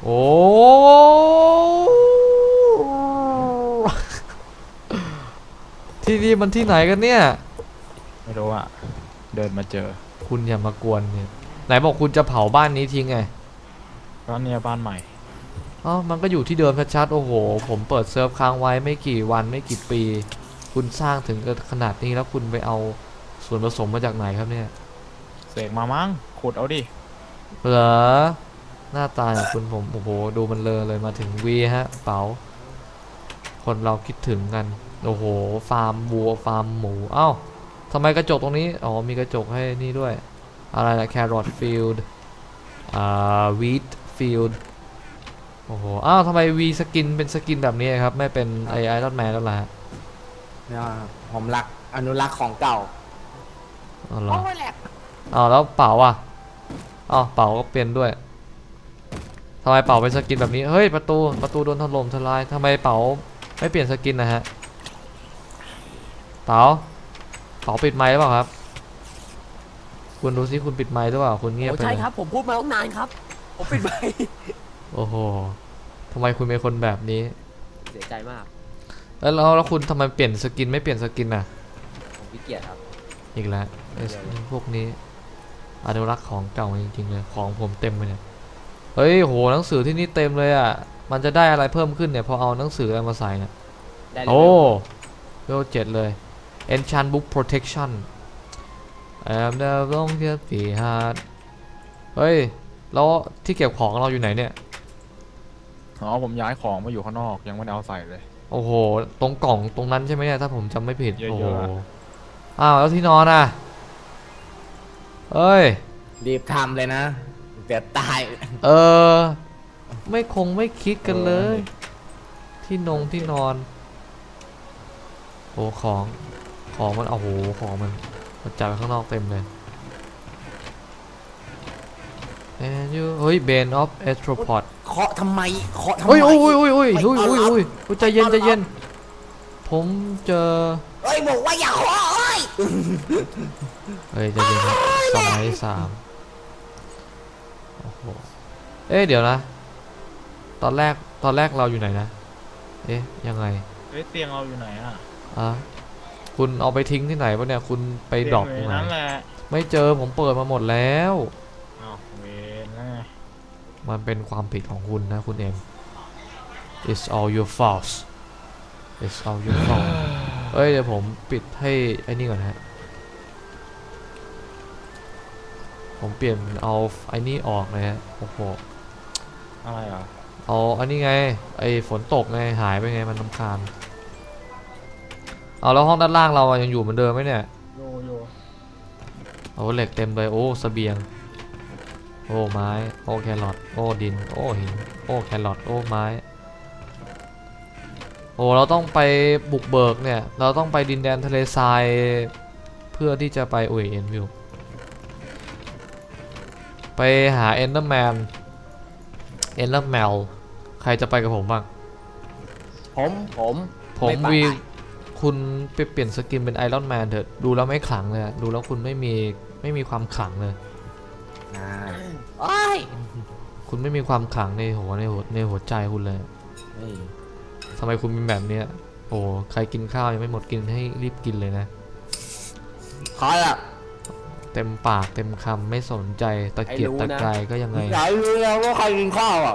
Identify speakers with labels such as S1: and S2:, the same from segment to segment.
S1: โอ้ที่นี่มันที่ไหนกันเนี่ย
S2: ไม่รู้อ่ะเดินมาเจอ
S1: คุณอย่ามากวนเนี่ยไหนบอกคุณจะเผาบ้านนี้ทิ้งไง
S2: ก็เนี่ยบ้านใหม่
S1: อ๋อมันก็อยู่ที่เดิมชัดๆโอ้โหผมเปิดเซิร์ฟค้างไว้ไม่กี่วันไม่กี่ปีคุณสร้างถึงขนาดนี้แล้วคุณไปเอาส่วนผสมมาจากไหนครับเนี่ย
S2: เสกมามั้งขุดเอาดิ
S1: เหรอหน้าตาของคุณผมโอ้โหดูมันเลยมาถึงวีฮะเป๋าคนเราคิดถึงกันโอ้โหฟาร์มวัวฟาร์มหมูเอ้าทำไมกระจกตรงนี้อ๋อมีกระจกให้นี่ด้วยอะไรนะแครอทฟิลด์วีทฟิลด์โอ้โหอ้าวทำไมวีสกินเป็นสกินแบบนี้ครับไม่เป็นไอรอนแมนแล้วล่ะ
S3: เนี่ยผมรักอนุรักษ์ของเก่า
S1: อ๋อเหรอ
S3: โอ้ยแหลก
S1: อ้าวแล้วเป๋าอ่ะอ้าวเป๋าก็เป็นด้วยทำไมเป๋าเป็นสกินแบบนี้เฮ้ยประตูโดนถล่มทลายทำไมเป๋าไม่เปลี่ยนสกินนะฮะเป๋าปิดไมค์หรือเปล่าครับคุณดูซิคุณปิดไมค์หรือเปล่าคุณเงียบ
S3: โอ้
S1: ไปเลย
S3: ใช่ครับผมพูดมาตั้งนานครับผมปิดไมค์
S1: โอ้โหทำไมคุณเป็นคนแบบนี้
S3: เสียใจมาก
S1: แล้วคุณทำไมเปลี่ยนสกินไม่เปลี่ยนสกินน่ะ
S3: ผมขี้เกียจครับ
S1: อีกแล้วพวกนี้อนุรักษ์ของเก่าจริงๆเลยของผมเต็มเลยเนี่ยเฮ้ยโหหนังสือที่นี่เต็มเลยอ่ะมันจะได้อะไรเพิ่มขึ้นเนี่ยพอเอาหนังสืออะไรมาใส่เนี่ยโอ้เลเวล7เลย Enchant Book Protection I'm the long happy heart เฮ้ยแล้วที่เก็บของเราอยู่ไหนเนี่ย
S2: อ๋อผมย้ายของมาอยู่ข้างนอกยังไม่ได้เอาใส่เลย
S1: โอ้โหตรงกล่องตรงนั้นใช่ไหมเนี่ยถ้าผมจำไม่ผิด
S2: เยอะๆ
S1: โอ้โหอ้าวแล้วที่นอนอ่ะเอ้ย
S3: รีบทำเลยนะเดี๋ยวตาย
S1: เออไม่คิดกันเลยที่นอนโอ้ของมันโอ้โหของมันจัดไปข้างนอกเต็มเลยเฮ้ย Bane of Arthropod
S3: เคาะทำไมเคาะทำไม
S1: โอ้ยใจเย็นผมเจอ
S3: เอ้ยบอกว่าอย่าเคาะเอ้ย
S1: เฮ้ยใจเย็นครับสไลด์3โอ้โหเดี๋ยวนะตอนแรกเราอยู่ไหนนะยังไง
S2: เตียงเราอยู่ไหนอ่ะ
S1: คุณเอาไปทิ้งที่ไหนวะเนี่ยคุณไปดรอปตรงไหนไม่เจอผมเปิดมาหมดแล้ว
S2: เวนแล้วไง
S1: มันเป็นความผิดของคุณนะคุณเอ็ม It's all your fault It's all your fault เดี๋ยวผมปิดให้ไอ้นี่ก่อนนะฮะผมเปลี่ยนเอาไอ้นี่ออกเลยฮะโอ้โห
S2: อะไรอ่ะ
S1: เอาอันนี้ไงไอ้ฝนตกไงหายไปไงมันรำคาญเอาแล้วห้องด้านล่างเรายังอยู่เหมือนเดิมไหมเนี่ย
S2: โย
S1: โอ้เหล็กเต็มเลยโอ้เสบียงโอ้ไม้โอ้แครอทโอ้ดินโอ้หินโอ้แครอทโอ้ไม้โอ้เราต้องไปบุกเบิกเนี่ยเราต้องไปดินแดนทะเลทรายเพื่อที่จะไปเอ็นวิวไปหาเอนเดอร์แมนใครจะไปกับผมบ้างผมวีคุณไปเปลี่ยนสกินเป็นไอรอนแมนเถอะดูแล้วไม่ขลังเลยดูแล้วคุณไม่มีความขลังเลยคุณไม่มีความขลังในหัวใจคุณเลยทำไมคุณเป็นแบบนี้โอ้ใครกินข้าวยังไม่หมดกินให้รีบกินเลยนะ
S3: ใครอ่ะ
S1: เต็มปากเต็มคำไม่สนใจตะเกียกตะกายก็ยังไง
S3: อยากรู้แล้วว่าใครกินข้าวอ่ะ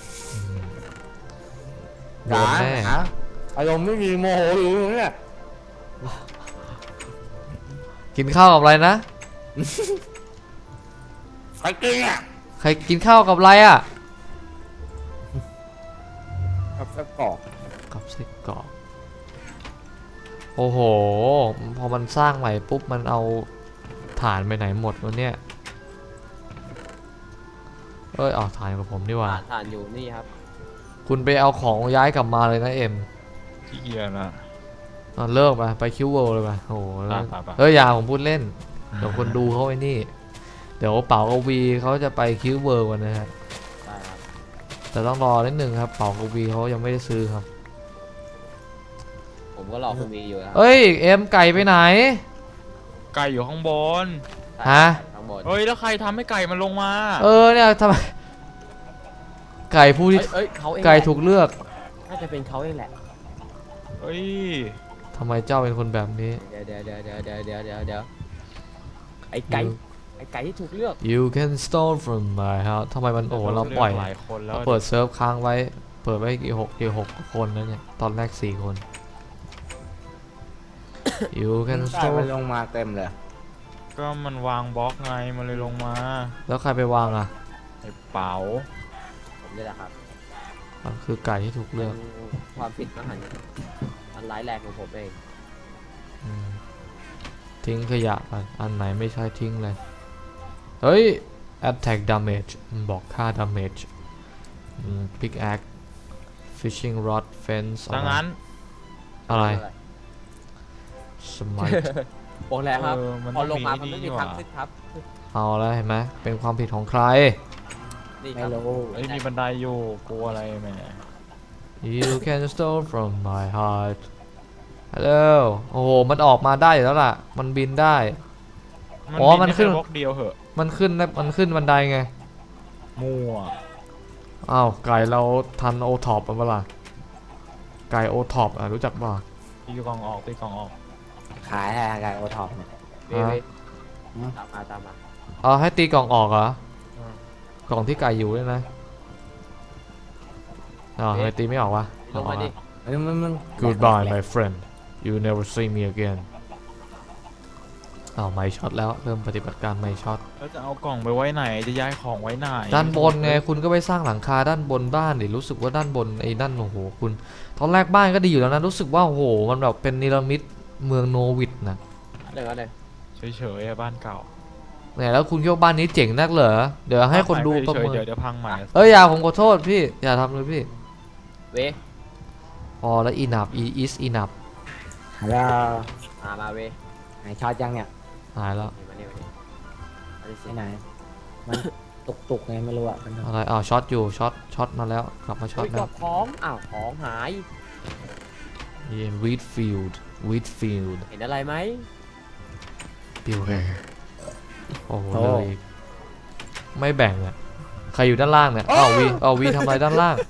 S1: โดนแน่
S3: อารมณ์ไม่มีโมโหอยู่เนี่ย
S1: กินข้าวกับอะไรนะ
S3: ใครกินอ่ะ
S1: ใครกินข้าวกับอะไรอ่ะ
S3: กับไส้กรอก
S1: โอ้โหพอมันสร้างใหม่ปุ๊บมันเอาฐานไปไหนหมดวะเนี่ยเอาฐานกับผมดีกว่า
S3: ฐานอยู่นี่ครับ
S1: คุณไปเอาของย้ายกลับมาเลยนะเอ็ม
S2: ขี้เกียจนะ
S1: เลิกไปคิวเวิลด์เลยป่ะโอ้โหอย่าผมพูดเล่นเดี๋ยวคนดูเขาไอ้นี่เดี๋ยวเป๋ากวีเขาจะไปคิวเวิลด์กันนะฮะแต่ต้องรอนิดนึงครับเป๋ากวีเขายังไม่ได้ซื้อครับ
S3: ผมก็รอคุณวีอยู่ครับ
S1: เอ็มไก่ไปไหน
S2: ไก่อยู่ข้างบน
S1: ฮะ
S2: แล้วใครทำให้ไก่มันลงมา
S1: เนี่ยทำไมไก่ผู้ที่
S4: เอ้ยเขาเอง
S1: ไก่
S4: แหละ
S1: ถูกเลือก
S4: น่าจะเป็นเขาเองแหละ
S2: เฮ้ย
S1: ทำไมเจ้าเป็นคนแบบนี้
S4: เดี๋ยวไอ้ไก่ที่ถูกเลือก
S1: You can steal from my house ทำไมมันโอ้โหเราปล่อย
S2: หลายคนแล้ว
S1: เราเปิดเซิร์ฟค้างไว้ เปิดไว้กี่หกคนแล้วเนี่ย ตอนแรก4 คน You can
S3: ไก่มัน
S1: steal
S3: ลงมาเต็มเลย
S2: ก็มันวางบล็อกไงมันเลยลงมา
S1: แล้วใครไปวางอ่ะ
S2: ไอ้เป๋า
S4: ผมนี่แหละครับ
S1: มันคือไก่ที่ถูกเลือก
S4: ความผิดมหันต์อันร้ายแรงของผมเอง
S1: อืมทิ้งขยะไปอันไหนไม่ใช่ทิ้งเลย เฮ้ย attack damage มันบอกค่า damage pickaxe fishing rod fence
S2: ดังนั้น
S1: อะไร smite
S4: บอกแล้วครับ
S2: มัน
S4: พอ
S2: ต้อง
S4: ลงมา
S2: มี
S4: มันไม่
S2: นี่
S4: มี
S2: ห
S4: ทาง
S2: ว่า
S4: ขึ้นครับ
S1: เอาแล้วเห็นไหมเป็นความผิดของใคร
S4: นี่ค
S3: ไม่
S4: รับ
S3: รู้
S2: เอ้ยมีบันไดอยู่กลัวอะไรแหม
S1: You can steal from my heart Hello โอ้โห มันออกมาได้อยู่แล้วล่ะ มันบินได้ อ๋อมันขึ้น
S2: บล็อกเดียวเหอะ
S1: มันขึ้นบันไดไง
S2: มั่ว
S1: อ้าว ไก่เราทันโอท็อปเปล่าไก่โอท็อปรู้จักป่ะ
S2: ตีกล่องออกตีกล่องออก
S3: ขายให้ไก่โอท็อปเนี่ย
S4: เว้ย
S3: อืม
S4: ตามมา
S1: เอาให้ตีกล่องออกเหรอ
S2: อืม
S1: กล่องที่ไก่อยู่ด้วยนะอ๋อทำไมตีไม่ออกวะ
S4: ลงมาดิ
S3: เฮ้ยมัน
S1: Goodbye my friend you never see me again อ้าวไม่ช็อตแล้วเริ่มปฏิบัติการไม่ช็อต
S2: แล้วจะเอากล่องไปไว้ไหนจะย้ายของไว้ไหน
S1: ด้านบนไงคุณก็ไปสร้างหลังคาด้านบนบ้านดิรู้สึกว่าด้านบนไอ้นั่นโอ้โหคุณตอนแรกบ้านก็ดีอยู่แล้วนะรู้สึกว่าโอ้โหมันแบบเป็นนิรมิตเมืองโนวิดนะ
S4: เดี๋ยวก่อนเลย
S2: เฉยๆอะบ้านเก่า
S1: เนี่ยแล้วคุณคิดว่าบ้านนี้เจ๋งนักเหรอเดี๋ยวให้คนดูประ
S2: เฉย
S1: เมิ
S2: ๆ
S1: น
S2: เดี๋ยวพังใหม่
S1: เอ้ยอย่าผมขอโทษพี่อย่าทำเลยพี่
S4: เว้ย
S1: พอแล้วอีนับอีอิสอีนับ
S3: แล้ว
S4: มาเว้ย
S3: ไหนช็อตยังเนี่ย
S1: หายแล้ว
S4: มาเนี่ยอันนี้สิ
S3: ที่ไหน มันตุกไงไม่รู้อ่ะมัน
S1: อะไรอ้าวช็อตอยู่ช็อตมาแล้วกลับมาช็อต
S4: ก
S1: แล้
S4: ด
S1: ว
S4: ของอ้าวของหาย
S1: wheat field
S4: เห็นอะไรไหม
S1: beware โอ้โหเลยอีกไม่แบ่งอ่ะใครอยู่ด้านล่างเนี่ยอ้าววีทำอะไรด้านล่าง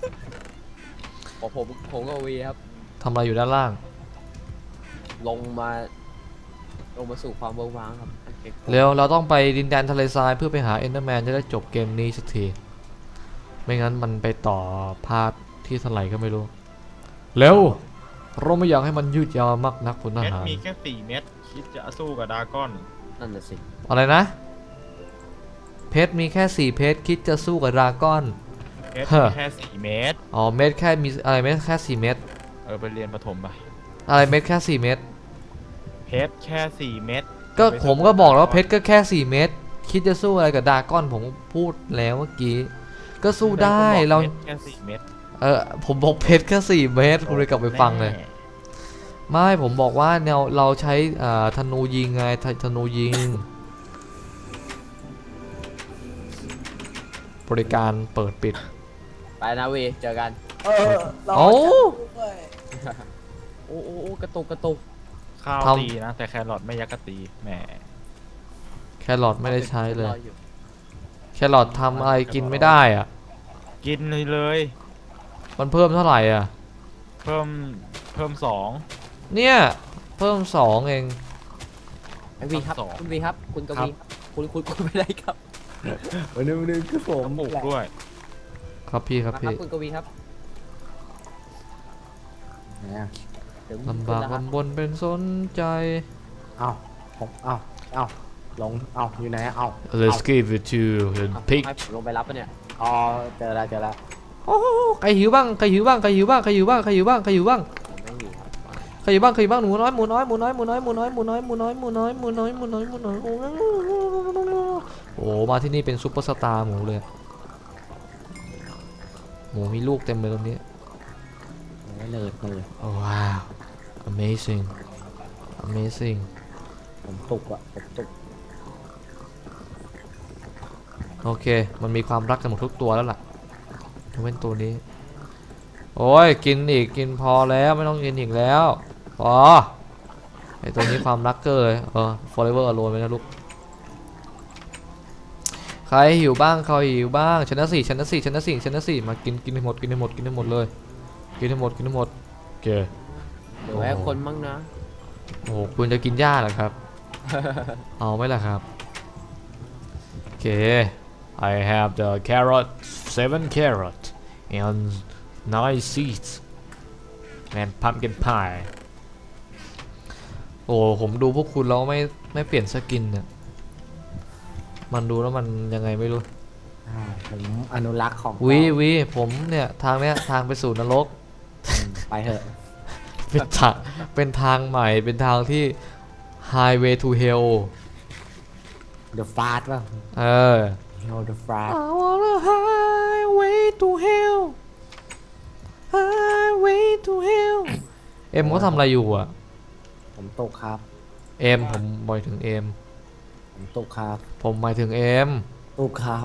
S4: ผมกับวีครับ
S1: ทำอะไรอยู่ด้านล่าง
S4: ลงมาสู่ความเวิร์กว้างครับ
S1: เร็วเราต้องไปดินแดนทะเลทรายเพื่อไปหาเอนเดอร์แมนจะได้จบเกมนี้สักทีไม่งั้นมันไปต่อภาคที่เท่าไหร่ก็ไม่รู้เร็วเราไม่อยากให้มันยืดยาวมากนักพลท
S2: เม็ด
S1: หาร
S2: มีแค่4 เม็ดคิดจะสู้กับดราก้อน
S4: นั่นน่ะสิ
S1: อะไรนะเพชรมีแค่4เพชรคิดจะสู้กับดราก้อน
S2: เม็ด
S1: ฮะ
S2: มีแค่4 เม็ด
S1: อ๋อเม็ดแค่มีอะไรเม็ดแค่4เม็ด
S2: ไปเรียนประถมไป
S1: อะไรเม็ดแค่4เม็ด
S2: เพชรแค่4 เม็ด
S1: ก็ผมก็บอกแล้วว่าเพชรก็แค่4เม็ดคิดจะสู้อะไรกับดราก้อนผมพูดแล้วเมื่อกี้ก็สู้ได้เรา
S2: พชแค่4 เม็ด
S1: ผมบอกเพชรแค่4เม็ดคุณเลยกลับไปฟังเลย
S2: แน่
S1: ไม่ผมบอกว่าแนวเราใช้ธนูยิงไงธนูยิง บริการเปิดปิด
S4: ไปนะวีเจอกัน
S1: โอ้
S4: โอ้กระตุก
S2: ข้าว
S1: ทำ
S2: ตีนะแต่แครอทไม่ยักกะตีแหม
S1: แครอทไม่ได้ใช้เลย แครอททำอะไรกินไม่ได้อะ
S2: กินเลย
S1: มันเพิ่มเท่าไหร่อ่ะ
S2: เพิ่ม2
S1: เนี่ยเพิ่ม2เอง
S4: ไอวีครับ
S2: สอง
S4: คุณวีครับคุณกวีคุณไม่ได้ครับ
S3: วันนึงคือผม
S2: ปลูกด้วย
S1: ครับพี่ครับ
S4: มาครับ
S1: พี่
S4: คุณกวีครับ
S3: เนี่ย
S4: เดี๋ยว
S1: ลำบาก
S4: คุณนะครับ
S1: ลำบนเป็นสนใจ
S3: เอาผมเอาลงเอาอยู่ไหนเอา
S1: Let's give it to the
S4: เอา
S1: pig
S4: ให้ผมลงไปรับปะเนี่ย
S3: อ๋อเจอแล้ว
S1: โอ้ใครหิวบ้างใครหิวบ้างใครหิวบ้างใครหิวบ้างใครหิวบ้างใครหิวบ้าง
S4: ผมไม่อยู่ครับ
S1: ใครหิวบ้างใครหิวบ้างหมูน้อยหมูน้อยหมูน้อยหมูน้อยหมูน้อยหมูน้อยหมูน้อยหมูน้อยหมูน้อยหมูน้อยหมูน้อยโอ้มาที่นี่เป็นซุปเปอร์สตาร์หมูเลยหมูมีลูกเต็มเลยตรงนี้
S3: เลย
S1: ว้าว amazing amazing
S3: ผมตุกอ่ะผมตุก
S1: โอเคมันมีความรักกันหมดทุกตัวแล้วล่ะยกเว้นตัวนี้โอ้ยกินอีกกินพอแล้วไม่ต้องกินอีกแล้วพอไอตัวนี้ความรักเกอร์เลยforever alone ไปนะลูกใครหิวบ้างใครหิวบ้างชนะสี่ชนะสี่ชนะสี่ชนะสี่มากินให้หมดกินให้หมดกินให้หมดเลยกินให้หมดกินให้หมดโอเค
S4: เดี๋ยวให้คนมั่งนะ
S1: โอ้โหคุณจะกินหญ้าเหรอครับ เอาไหมล่ะครับโอเค I have the carrot 7 carrot and 9 seeds and pumpkin pie โอ้ผมดูพวกคุณแล้วไม่เปลี่ยนสกินเนี่ยมันดูแล้วมันยังไงไม่รู้
S3: ผมอนุรักษ์ของ
S1: วีผมเนี่ยทางเนี้ยทางไปสู่นรก
S3: ไปเถอะ
S1: เป็นทางใหม่เป็นทางที่ highway to hell
S3: The Fast ป่ะ
S1: เออ
S3: Hell the Fast
S1: I want a highway to hell highway to hell เอ็มเขาทำอะไรอยู่อ่ะ
S3: ผมตกครับ
S1: เอ็มผมหมายถึงเอ็ม
S3: ผมตกครับ
S1: ผมหมายถึงเอ็ม
S3: ตกครับ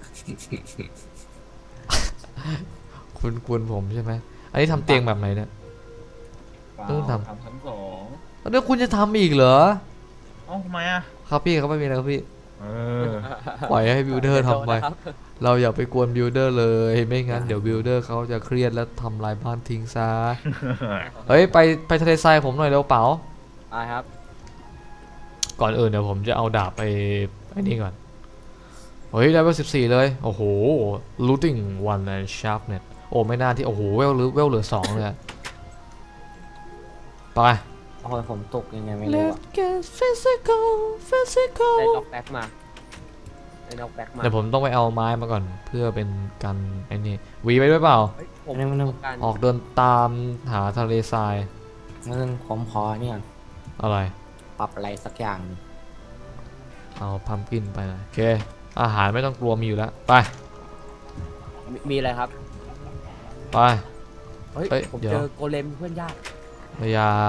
S1: คุณผมใช่ไหมอันนี้ทำเตียงแบบไหนเนี่ย ต้องทำ
S2: ทำชั้นสอง
S1: แล้วเดี๋ยวคุณจะทำอีกเหรอ
S2: เอ้าทำไมอ่ะ
S1: ครับพี่เขาไม่มีอะไรครับพี่
S2: เออ
S1: ปล่อยให้บิวเดอร์ทำไป
S4: โดนนะครับ
S1: เราอย่าไปกวนบิวเดอร์เลยไม่งั้นเดี๋ยวบิวเดอร์เขาจะเครียดแล้วทำลายบ้านทิ้งซะ เฮ้ยไปทะเลทรายผมหน่อยเร็วเป๋า
S4: ไปครับ
S1: ก่อนอื่นเดี๋ยวผมจะเอาดาบไปไอ้นี่ก่อน เฮ้ยได้เวล14เลยโอ้โห looting one and sharpness โอ้ไม่น่าที่โอ้โหเวลเหลือ2เลยอะไป
S3: โอ้ยผมตกยังไงไม่รู้อะ
S1: Let's get physical physical
S4: ได้น็อกแบ็กมาได้น็อกแบ็กมา
S1: เดี๋ยวผมต้องไปเอาไม้มาก่อนเพื่อเป็นการไอ้นี่วีไปด้วยเปล่า
S4: เฮ้ยผม
S3: ไม่ต้อง
S4: ต้องการ
S1: ออกเดินตามหาทะเลทราย
S3: ผมพอเนี่ย
S1: อะไร
S3: ปรับอะไรสักอย่างหนึ่ง
S1: เอาพัมกินไปหน่อยโอเคอาหารไม่ต้องกลัวมีอยู่แล้วไป
S4: มีอะไรครับ
S1: ไป
S4: เฮ้ย
S1: เฮ้ย
S4: ผม
S1: เดี๋ยว
S4: เจอโกเลมเพื่อนยาก
S1: อย่า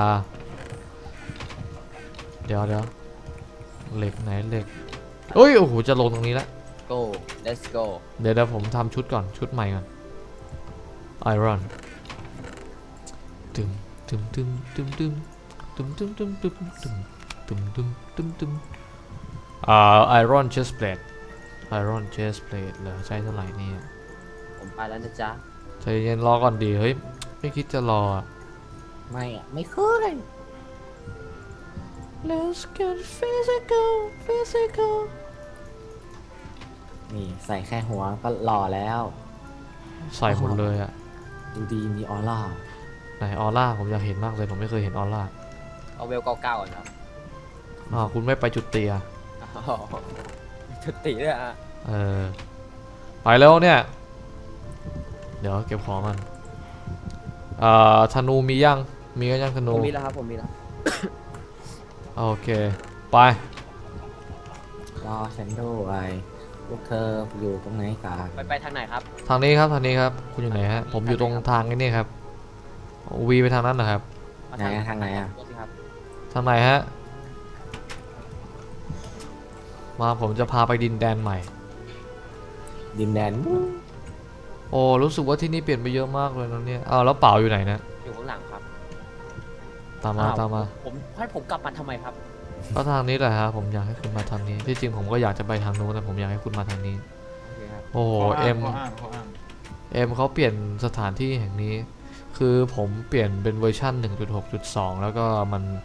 S1: เดี๋ยวเหล็กไหนเหล็กเอ้ยโอ้โหจะลงตรงนี้ละ
S4: go let's go
S1: เดี๋ยวผมทำชุดก่อนชุดใหม่ก่อนไอรอนตึมตึมตึมตึมตึมตึมตึมตึมตึมตึมตึมตึมตึมตึมไอรอนเชสเพลทไอรอนเชสเพลทเหรอใช้เท่าไหร่เนี่ย
S4: ผมไปแล้วนะจ๊ะ
S1: ใจเย็นรอก่อนดีเฮ้ยไม่คิดจะรออะ
S3: ไม่อะไม่เคย
S1: Let's get physical
S3: นี่ใส่แค่หัวก็หล่อแล้ว
S1: ใส่หมดเลยอะ
S3: ดูดีมีออร่า
S1: ไหนออร่าผมอยากเห็นมากเลยผมไม่เคยเห็นออร่า
S4: เอาเวลเก้าก่อนครับ
S1: คุณไม่ไปจุดเตีย
S4: อ๋อจุดติเลยอ่ะ
S1: ไปแล้วเนี่ย เดี๋ยวเก็บของมันธนูมียังมีก็ยังธ
S4: ผ
S1: นู
S4: มมีแล้วครับผมมีแล้ว
S1: โอเคไป
S3: รอฉันด้วยพวกเธออยู่ตรงไหนกัน
S4: ไปทางไหนครับ
S1: ทางนี้ครับทางนี้ครับคุณอยู่ไหนฮะผมอยู่ตรงทางนี้ครับวีไปทางนั้นนะครับ
S4: มา
S3: ไหนอะทางไหนอะ
S4: ดูสิครับ
S1: ทางไหนฮะมาผมจะพาไปดินแดนใหม่
S3: ดินแดน
S1: โอ้รู้สึกว่าที่นี่เปลี่ยนไปเยอะมากเลยนะเนี่ยอ้าวแล้วเป๋าอยู่ไหนนะ
S4: อยู่ข้างหลังครับ
S1: ตามมา
S4: อ้ว
S1: ตามมา
S4: ผมให้ผมกลับมาทำไมครับ
S1: ก็ทางนี้แหละฮะผมอยากให้คุณมาทางนี้ที่จริงผมก็อยากจะไปทางนู้นแต่ผมอยากให้คุณมาทางนี้
S4: โอเคครับ
S1: โอ้โห
S2: ข้
S1: เอ็ม
S2: ข้างข้ออ้าง
S1: เขาเปลี่ยนสถานที่แห่งนี้ คือผมเปลี่ยนเป็นเวอร์ชัน 1.6.2 แล้วก็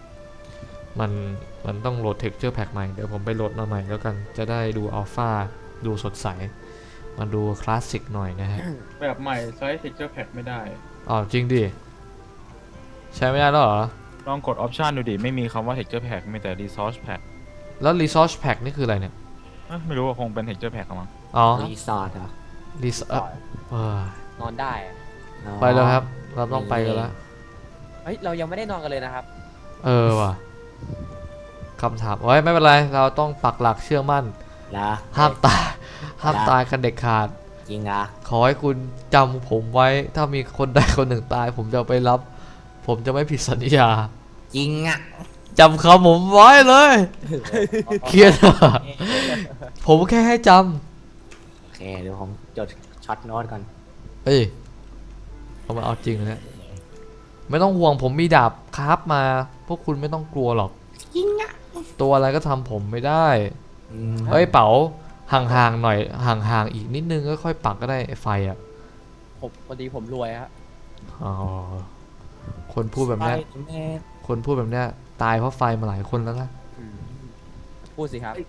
S1: มันต้องโหลด texture pack ใหม่ เดี๋ยวผมไปโหลดมาใหม่แล้วกัน จะได้ดูอัลฟาดูสดใส มันดูคลาสสิกหน่อยนะฮะ
S2: แบบใหม่ใช้ texture pack ไม่ได้
S1: อ๋อจริงดิ ใช้ไม่ได้แล้วเหรอ
S2: ลองกด option ดูดิ ไม่มีคำว่า texture pack มีแต่ resource pack
S1: แล้ว resource pack นี่คืออะไรเนี่ย
S2: ไม่รู้ว่าคงเป็น texture pack มั้ง
S1: อ๋อ
S3: รีสอร์ทเหรอ
S4: นอนได้อะ
S1: ไปแล้วครับ เราต้องไปกันแล้ว
S4: เฮ้ยเรายังไม่ได้นอนกันเลยนะครับ
S1: ว่ะคำถามไว้ยไม่เป็นไร เราต้องปักหลักเชื่อมั่น
S3: ละ
S1: ห้ามตาย ห้ามตายกันเด็ดขาด
S3: จริงอ่ะ
S1: ขอให้คุณจำผมไว้ ถ้ามีคนใดคนหนึ่งตาย ผมจะไปรับ ผมจะไม่ผิดสัญญา
S3: จริงอ่ะ
S1: จำคำผมไว้เลย เครียดอะผมแค่ให้จ
S3: โอเคเดี๋ยวผมจดช็อตโน้ตก่อน
S1: ำเอ้ยเอามาเอาจริงเลยเนี่ยไม่ต้องห่วงผมมีดาบคราฟมา พวกคุณไม่ต้องกลัวหรอก
S3: จริงอ่ะ
S1: ตัวอะไรก็ทำผมไม่ได้
S3: อืม
S1: เฮ้ยเป๋าห่างๆหน่อยห่างๆอีกนิดนึงก็ค่อยปักก็ได้ไอ้ไฟอ่ะ
S4: ผมพอดีผมรวยฮะ
S1: อ๋อคนพูดแบบเนี้ย
S3: ไปแม่
S1: คนพูดแบบเนี้ยตายเพราะไฟมาหลายคนแล้วนะ
S4: อืมพูดสิครับ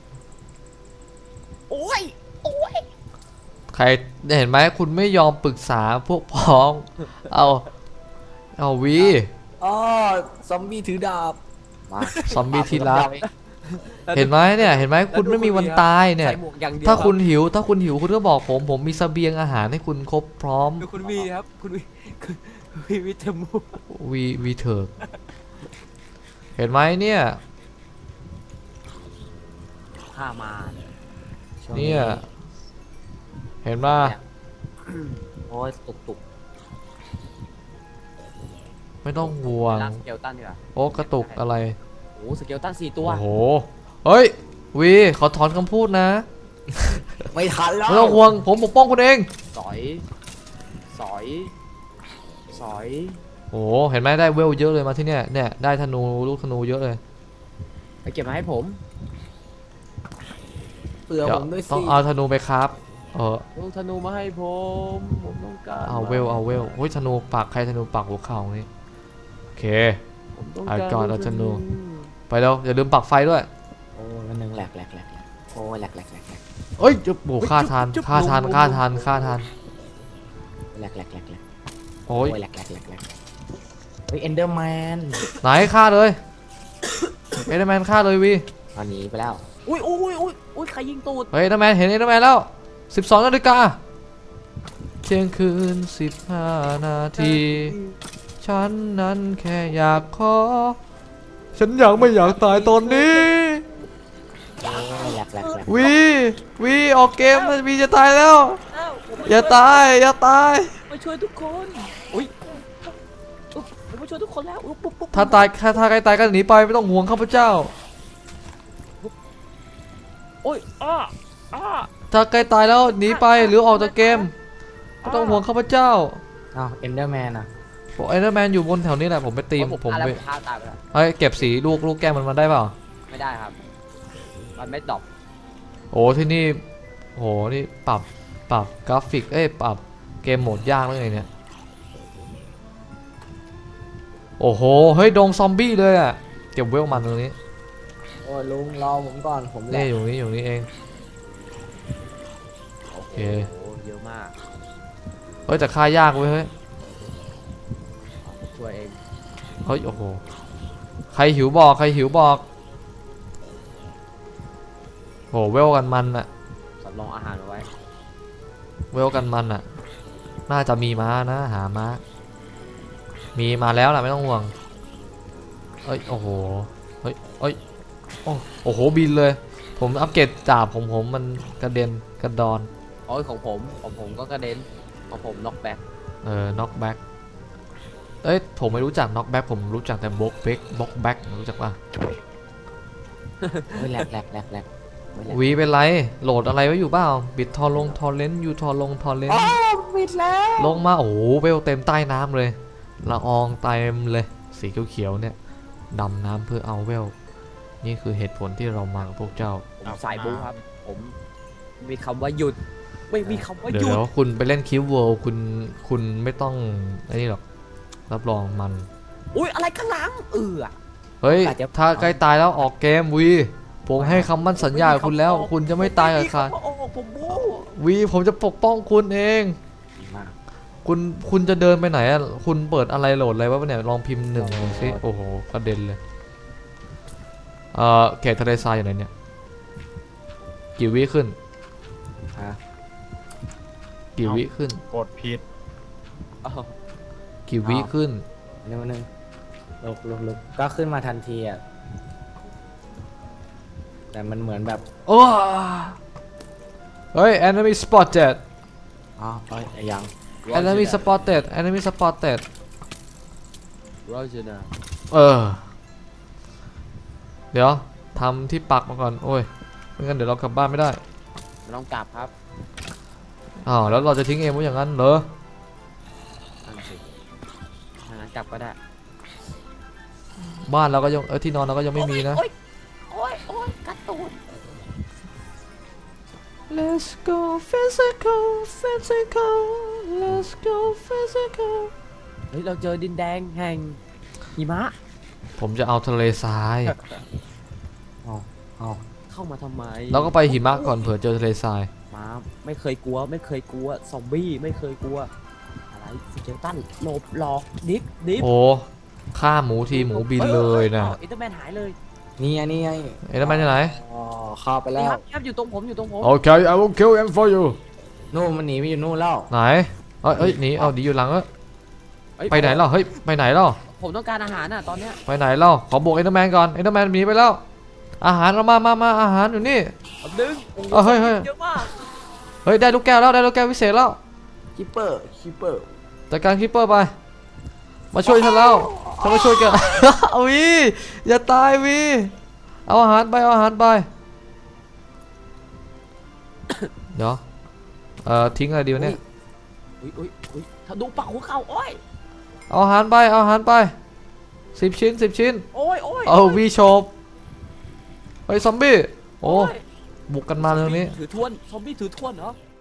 S4: โอ้ยโอ้ย
S1: ใครเห็นไหมคุณไม่ยอมปรึกษาพวกพ้อง เอาวี
S3: อ๋อซอมบี้ถือดาบมา
S1: ซอมบี้ที่รักเห็นไหมเนี่ยเห็นไหมคุณไม่มีวันตายเนี่ย
S4: ใส่หมวกอย่างเดียว
S1: ถ้า
S4: รับ
S1: คุณหิวคุณก็บอกผมมีเสบียงอาหารให้คุณครบพร้อม
S4: ดูคุณวีครับคุณวีวิทยมู
S1: วีเถิกเห็นไหมเนี่ย
S4: ข้ามา
S3: ช่วง
S1: เนี่ยเห็นป่ะ
S3: โอ้ยตุก
S1: ไม่ต้องห่วง
S4: ล่างสเกลตันดีกว่า
S1: โอ้กระตุกอะไร
S4: โอ้สเกลตัน4 ตัว
S1: โอ้โหเฮ้ยวีขอถอนคำพูดนะ
S3: ไม่ทันแล้ว
S1: ไม่ต้องห่วงผมปกป้องคุณเอง
S4: สอยสอยสอย
S1: โอ้เห็นไหมได้เวลเยอะเลยมาที่เนี่ยได้ธนูลูกธนูเยอะเลย
S4: ไปเก็บมาให้ผม
S3: เผื่อ
S1: เดี๋ย
S3: ผ
S1: ว
S3: มด้วย
S1: ต้อง
S3: สิ
S1: เอาธนูไปครับ
S4: ลูกธนูมาให้ผมต้องการ
S1: เอาเวลโอ้ยธนูปักใครธนูปักหัวเข่านี่โอเค
S4: ผมต้อง
S1: เอา
S4: การ
S1: ก่อนเอาธนู ไปแล้วอย่าลืมปักไฟด้วย
S3: โอ้ยวันหนึ่งแหลกโอ้ยแหลก
S1: เอ้ยจุ๊บโอ้ฆ่าทานฆ่าทาน
S3: แหลก
S1: โอ้ย
S3: โอ้ยแหลกเฮ้ยเอนเดอร์แมน
S1: ไหนฆ่าเลยเอเดอร์แมนฆ่าเลยวี
S3: ตอนนี้ไปแล้ว
S4: อุ้ยใครยิงตูด
S1: เฮ้ยเอเดอร์แมนเห็นเอเดอร์แมนแล้ว12 นาฬิกาเที่ยงคืน15 นาทีฉันนั้นแค่อยากขอฉันอยากไม่อยากตายตอนนี้
S3: โอ้ยแหลก
S1: วีออกเกมนะวีจะตายแล้ว อย่าตาย
S4: มาช่วยทุกคนอุ้ยผมมาช่วยทุกคนแล้วปุ๊บ
S1: ถ้าใครตายก็หนีไปไม่ต้องห่วงข้าพเจ้า
S4: โอ้ยอ้า
S1: ถ้าใกล้ตายแล้วหนีไปหรือออกจากเกมไม่ต้องห่วงข้าพเจ้า
S3: อ้าวเอนเดอร์แมนอ่ะ
S1: เอเดอร์แมนอยู่บนแถวนี้แหละผมไปตีมผม
S4: ไป
S1: ไป
S4: ฆ่าตายไปแล้ว
S1: เฮ้ยเก็บสีลูกแก้มมันมาได้เปล่า
S4: ไม่ได้ครับมันไม่ดรอป
S1: โอ้ที่นี่โหนี่ปรับกราฟิกปรับเกมโหมดยากเลยเนี่ยโอ้โหเฮ้ยดงซอมบี้เลยอ่ะเก็บเวลมันตรงนี้
S3: โอ้ยลุงรอผมก่อนผมแหล
S1: นี่
S3: ก
S1: อยู่นี่เอง
S4: โอเคเยอะมาก
S1: เฮ้ยแต่ฆ่ายากเว้ยเฮ้ย
S4: ช่วยเอง
S1: เฮ้ยโอ้โหใครหิวบอกโหเวลกันมันอะ
S4: สำรองอาหารเอาไว้
S1: เวลกันมันอะน่าจะมีม้านะหาม้ามีมาแล้วล่ะไม่ต้องห่วงเอ้ยโอ้โหเฮ้ยโอ้โหบินเลยผมอัปเกรดดาบผมมันกระเด็นกระดอน
S4: โอ้ยของผมก็กระเด็นของผมน็อกแบ็ค
S1: น็อกแบ็กผมไม่รู้จักน็อกแบ็กผมรู้จักแต่บล็อกแบ็กรู้จักป่ะ
S3: โอ้ยแหลกโอ้ยแหลก
S1: วีเป็นไรโหลดอะไรไว้อยู่เปล่าบิดทอเลนยูทอเลน
S3: ปิดแล้ว
S1: ลงมาโอ้โหเวลเต็มใต้น้ำเลยละอองเต็มเลยสีเขียวๆเนี่ยดำน้ำเพื่อเอาเวลนี่คือเหตุผลที่เรามากับพวกเจ้า
S4: ผมสายบู๊ครับผมมีคำว่าหยุดไม่มีคำว่าห
S1: เดี๋
S4: ยุด
S1: ยวคุณไปเล่นคิวเวิลด์คุณไม่ต้องไอ้นี่หรอกรับรองมัน
S4: อุ้ยอะไรข้างหลัง
S1: เฮ้ยถ้าใกล้ตายแล้วออกเกมวีผมให้คำมั่นสัญญากับคุณแล้ว คุณจะไม่ตายกับใคร
S4: ผมบู๊
S1: วีผมจะปกป้องคุณเอง
S3: ดีมาก
S1: คุณจะเดินไปไหนอะคุณเปิดอะไรโหลดอะไรวะเนี่ยลองพิมพ์1ดูสิโอ้โหกระเด็นเลยเขตทะเลทรายอยู่ไหนเนี่ยกี่วิขึ้น
S3: ฮะ
S1: กี่วิขึ้น
S2: กดผิด
S1: กี่วิขึ้น
S3: นึงลุกก็ขึ้นมาทันทีอ่ะแต่มันเหมือนแบบ
S1: โอ้เฮ้ย enemy spotted
S3: อ๋อเอ้ยยัง
S1: enemy spotted
S4: โรเจอร์นะ
S1: เดี๋ยวทำที่ปักมาก่อนโอ้ยไม่งั้นเดี๋ยวเรากลับบ้านไม่ได้
S4: ไม่ต้องกลับครับ
S1: แล้วเราจะทิ้งเองไว้อย่างนั้นเหรอ
S4: นั่นสิถ้างั้นกลับก็ได้
S1: บ้านเราก็ยังที่นอนเราก็ยังไม่มีนะ
S4: โอ้ยกัดตูด
S1: Let's go physical physical Let's go physical
S4: เฮ้ยเราเจอดินแดงแห่งหิมะ
S1: ผมจะเอาทะเลทราย
S3: เอา
S4: เข้ามาทำไม
S1: เราก็ไปหิมะก่อนเผื่อเจอทะเลทราย
S4: มาไม่เคยกลัวไม่เคยกลัวซอมบี้ไม่เคยกลัวอะไรสเกลตันหลบหลอกดิฟ
S1: โอ้ฆ่าหมูทีหมูบินเลยนะ
S4: อินเตอร์แมนหายเลย
S3: นี่ไงนี่ไง
S1: เอ็นแมนที่ไหน
S3: อ๋อเข้าไปแล้ว
S4: ครับอยู่ตรงผมอยู่ตรงผม
S1: โอเค I will kill him for you
S3: นู่นมันหนีไปอยู่นู่นแล้ว
S1: ไหนเอ้ยหนีเอาดีอยู่หลังเอ้ย
S4: เอ้ย
S1: ไปไหนเล่าเฮ้ยไปไหนเล่า
S4: ผมต้องการอาหารน่ะตอนเนี้ย
S1: ไปไหนเล่าขอบวกเอ็นแมนก่อนเอ็นแมนหนีไปแล้ว อาหารเรามาอาหารอยู่นี่
S4: เอาดึงโอ้โห
S1: เฮ้ย
S4: เยอะมาก
S1: เฮ้ยได้ลูกแก้วแล้วได้ลูกแก้ววิเศษแล้ว
S3: คิปเปอร์
S1: จัดการคิปเปอร์ไป มาช่วยฉันแล้วฉันมาช่วยกัน วีอย่าตายวีเอาอาหารไปเอาอาหารไป เดี๋ยวทิ้งอะไรดีวะเนี่ย
S4: อุ้ยถ้าดูปากหัวเข่าโอ้ย
S1: เอาอาหารไปเอาอาหารไป10 ชิ้น10 ชิ้น
S4: โอ้ย
S1: เอาวีโชบเฮ้ยซอมบี้โอ้
S4: ย
S1: บุกกันมาเรื่องนี้
S4: ถือถ้วนซอมบี้ถือถ้วนเหรอ